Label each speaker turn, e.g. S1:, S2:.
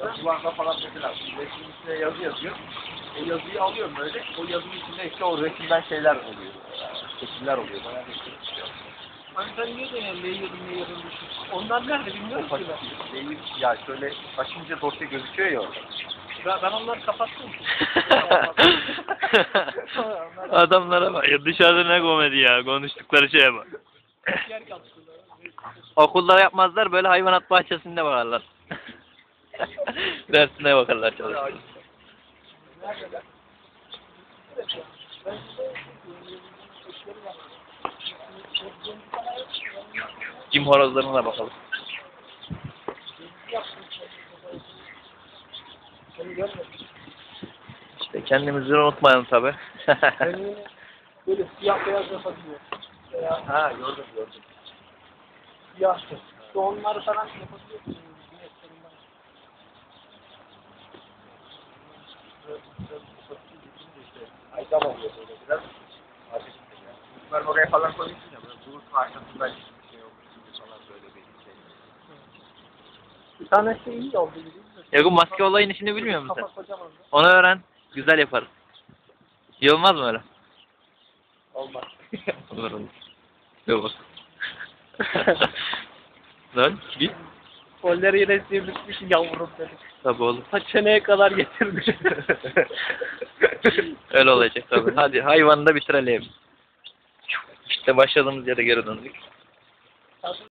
S1: Duvanda falan mesela resmin üstüne yazı yazıyor. O yazıyı alıyorum böyle. O yazının içinde işte o resimden şeyler oluyor. Şekiller oluyor. Bayağı bir şey çıkıyor.
S2: Hani sen niye de yani layer'ın düşün. Onlar nerede bilmiyorum ki ben.
S1: Ya şöyle açınca dosya gözüküyor ya orada.
S2: Ben onları kapattım.
S3: Adamlara bak ya, dışarıda ne komedi ya, konuştukları şeye bak.
S2: Yer kapsınlar.
S3: Okulda yapmazlar, böyle hayvanat bahçesinde bakarlar. Dersine bakarlar çalışıyor. Cim horozlarına bakalım. İşte kendimizi unutmayalım tabi.
S2: Böyle siyah beyaz yapabiliyor.
S1: Ha gördüm.
S2: Siyah. İşte onları falan yapabiliyorsun.
S1: Ay tamam oluyor böyle biraz. Bunlar oraya falan koyuyorsun ya. Böyle bulut karşısında bir şey olmuş falan böyle bir şey.
S2: Bir tanesi iyi oldu.
S3: Ya bu maske olayın işini bilmiyor musun sen?
S2: Kafa kocaman.
S3: Onu öğren. Güzel yaparız. İyi olmaz mı öyle?
S2: Olmaz.
S3: Olur olur. Yok. Lan git.
S2: Kolları yine sivrilmiş yavrum dedik.
S3: Tabii oğlum.
S2: Ta çeneye kadar getirdi.
S3: Öyle olacak tabii. Hadi hayvanı da bitirelim. İşte başladığımız yere geri döndük.